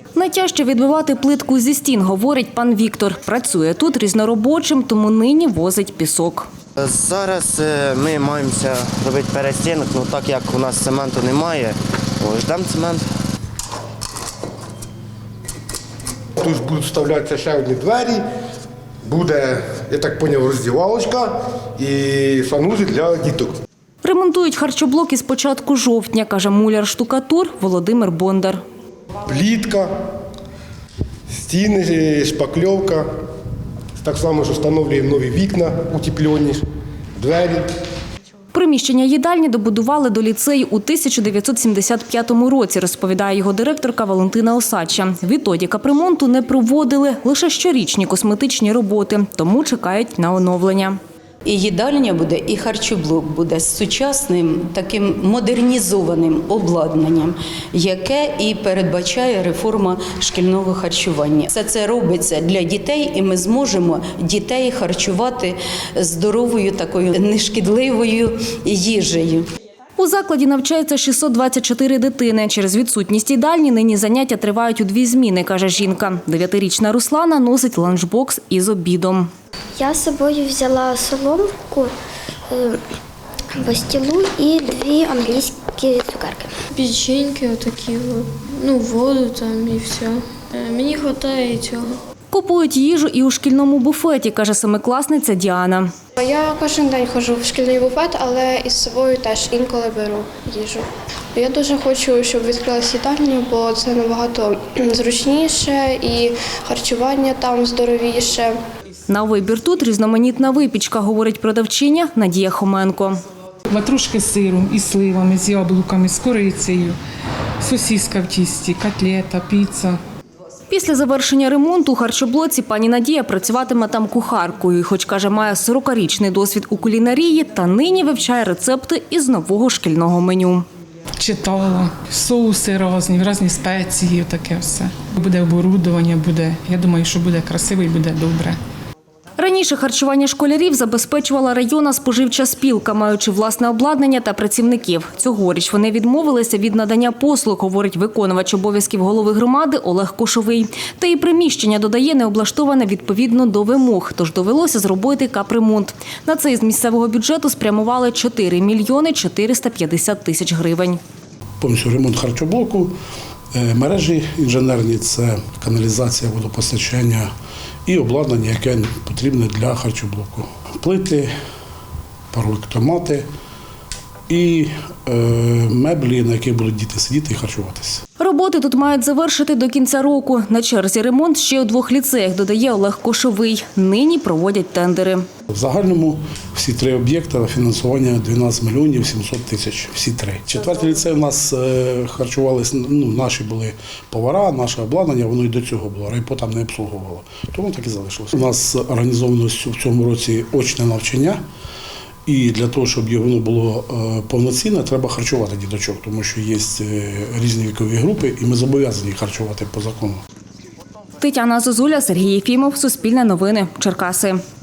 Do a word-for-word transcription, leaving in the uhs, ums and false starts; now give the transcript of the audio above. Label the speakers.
Speaker 1: Найтяжче відбивати плитку зі стін, говорить пан Віктор. Працює тут різноробочим, тому нині возить пісок.
Speaker 2: Зараз ми маємося робити перестінок, ну так як у нас цементу немає, ждемо цемент.
Speaker 3: Тут будуть вставлятися ще одні двері, буде, я так зрозумів, роздівалочка і санузел для діток.
Speaker 1: Ремонтують харчоблоки з початку жовтня, каже муляр-штукатур Володимир Бондар.
Speaker 3: Плітка, стіни, шпакльовка. Так само ж встановлюємо нові вікна, утеплені, двері.
Speaker 1: Приміщення їдальні добудували до ліцею у тисяча дев'ятсот сімдесят п'ятому році, розповідає його директорка Валентина Осадча. Відтоді капремонту не проводили, лише щорічні косметичні роботи, тому чекають на оновлення.
Speaker 4: І їдальня буде, і харчоблок буде з сучасним, таким модернізованим обладнанням, яке і передбачає реформа шкільного харчування. Все це робиться для дітей, і ми зможемо дітей харчувати здоровою, такою нешкідливою їжею.
Speaker 1: У закладі навчається шістсот двадцять чотири дитини. Через відсутність їдальні нині заняття тривають у дві зміни, каже жінка. Дев'ятирічна Руслана носить ланчбокс із обідом.
Speaker 5: Я з собою взяла соломку, пастилу і дві англійські цукерки.
Speaker 6: Печеньки отакі, ну, воду там і все. Мені вистачає і цього.
Speaker 1: Купують їжу і у шкільному буфеті, каже семикласниця Діана.
Speaker 7: Я кожен день ходжу в шкільний буфет, але із собою теж інколи беру їжу. Я дуже хочу, щоб відкрилась їдальня, бо це набагато зручніше і харчування там здоровіше.
Speaker 1: На вибір тут різноманітна випічка, говорить продавчиня Надія Хоменко.
Speaker 8: Ватрушки з сиром, із сливами, з яблуками, з корицею, сосиска в тісті, котлета, піца.
Speaker 1: Після завершення ремонту у харчоблоці пані Надія працюватиме там кухаркою. І хоч, каже, має сорокарічний досвід у кулінарії, та нині вивчає рецепти із нового шкільного меню.
Speaker 8: Читала, соуси різні, різні спеції, таке все. Буде оборудовання, буде, я думаю, що буде красиво і буде добре.
Speaker 1: Раніше харчування школярів забезпечувала районна споживча спілка, маючи власне обладнання та працівників. Цьогоріч вони відмовилися від надання послуг, говорить виконувач обов'язків голови громади Олег Кошовий. Та і приміщення, додає, не облаштоване відповідно до вимог, тож довелося зробити капремонт. На це із місцевого бюджету спрямували чотири мільйони чотириста п'ятдесят тисяч гривень.
Speaker 9: Повністю ремонт харчоблоку, мережі інженерні – це каналізація, водопостачання і обладнання, яке потрібне для харчоблоку. Плити, пароелектромати і е, меблі, на яких будуть діти сидіти і харчуватися.
Speaker 1: Роботи тут мають завершити до кінця року. На черзі ремонт ще у двох ліцеях, додає Олег Кошовий. Нині проводять тендери.
Speaker 9: В загальному всі три об'єкти фінансування дванадцять мільйонів сімсот тисяч, всі три. Четвертий ліцей у нас харчувалися, ну, наші були повара, наше обладнання, воно і до цього було, райпо там не обслуговувало. Тому так і залишилося. У нас організовано в цьому році очне навчання. І для того, щоб воно було повноцінне, треба харчувати діточок, тому що є різні вікові групи, і ми зобов'язані харчувати по закону.
Speaker 1: Тетяна Зозуля, Сергій Єфімов, Суспільне новини, Черкаси.